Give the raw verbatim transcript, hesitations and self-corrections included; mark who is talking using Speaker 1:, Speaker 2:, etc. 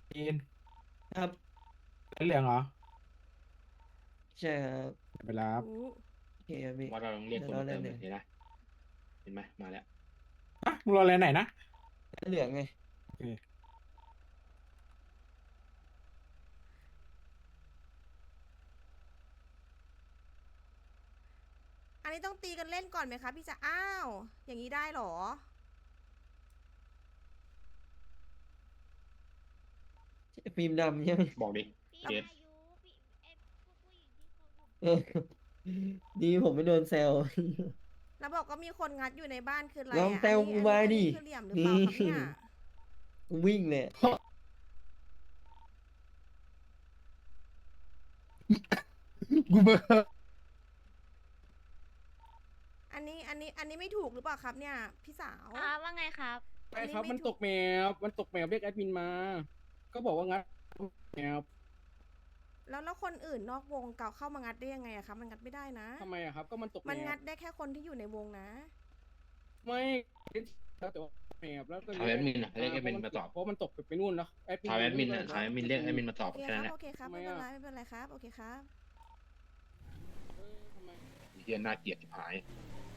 Speaker 1: จีน
Speaker 2: ครับ
Speaker 1: เหลืองเหรอ
Speaker 2: ใช่ครับ
Speaker 1: ไปรับ
Speaker 3: อู้
Speaker 2: โอเคครับพี่
Speaker 4: ว่าเราต้องเรียก
Speaker 2: เดี๋ยว
Speaker 4: คนมาเติม
Speaker 2: เราเล่นเลย
Speaker 4: เลยเห็นไหมเห็นไหมมาแล้ว
Speaker 1: ฮะมึงรออะไรไหนนะ
Speaker 2: เหลืองไง
Speaker 1: โอเค
Speaker 3: อันนี้ต้องตีกันเล่นก่อนไหมคะพี่จะอ้าวอย่างนี้ได้เหรอ
Speaker 2: ฟิล์มดำใช่ไหม
Speaker 4: บอกดิ
Speaker 5: พี่
Speaker 4: เกต
Speaker 5: อายุพี่เอยพวกผู้หญิงที่เขาอยู่
Speaker 2: เออดีผมไม่โดนแซว
Speaker 3: แล้วบอกก็มีคนงัดอยู่ในบ้านคืออะไร
Speaker 2: ลอง
Speaker 3: อ่ะ
Speaker 2: แซ
Speaker 3: อัน
Speaker 2: ว
Speaker 3: นี้
Speaker 2: กู
Speaker 3: อัน
Speaker 2: มา
Speaker 3: นี้อัน
Speaker 2: ดิ
Speaker 3: นี้คือเหลี่ยมหรือเป
Speaker 2: นี่
Speaker 3: ล่าครับเนี่ย
Speaker 2: กูวิ่งเลย
Speaker 1: กูเบอร์
Speaker 3: อันนี้อันนี้อันนี้ไม่ถูกหรือเปล่าครับเนี่ยพี่สาว
Speaker 5: อ่าว่าไงครับ
Speaker 1: ใช่ครับมันตกแมวมันตกแมวเรียกแอดมินมาก็บอกว่างั้นแมว
Speaker 3: แล้วแล้วคนอื่นนอกวงเก่าเข้ามางัดได้ยังไงอะครับมันงัดไม่ได้นะ
Speaker 1: ทำไมอะครับก็มันตกแม
Speaker 3: มัน
Speaker 1: ว
Speaker 3: งัดได้แค่คนที่อยู่ในวงนะ
Speaker 1: ไม่แล้วแต่ว่าแมวแล้วก็
Speaker 4: ถามแอดมินอ่ะเรียกแอดมินมาตอบ
Speaker 1: เพราะมันตกไปนู่นแล้วแอดมิน
Speaker 4: ถามแอดมินอ่ะถามแอดมินเรียกแอดมินมาตอ
Speaker 3: โอบ เค
Speaker 4: แค่
Speaker 3: ค
Speaker 4: นั้
Speaker 3: รับ
Speaker 4: นแหละ
Speaker 3: โอเคครับ
Speaker 1: ทำไม
Speaker 3: ไม่เป็น
Speaker 1: อะ
Speaker 3: ไรไม่เป็นไรครับโอเคครับ
Speaker 1: เออทำไม
Speaker 4: เฮียน่าเกลียดชิบหาย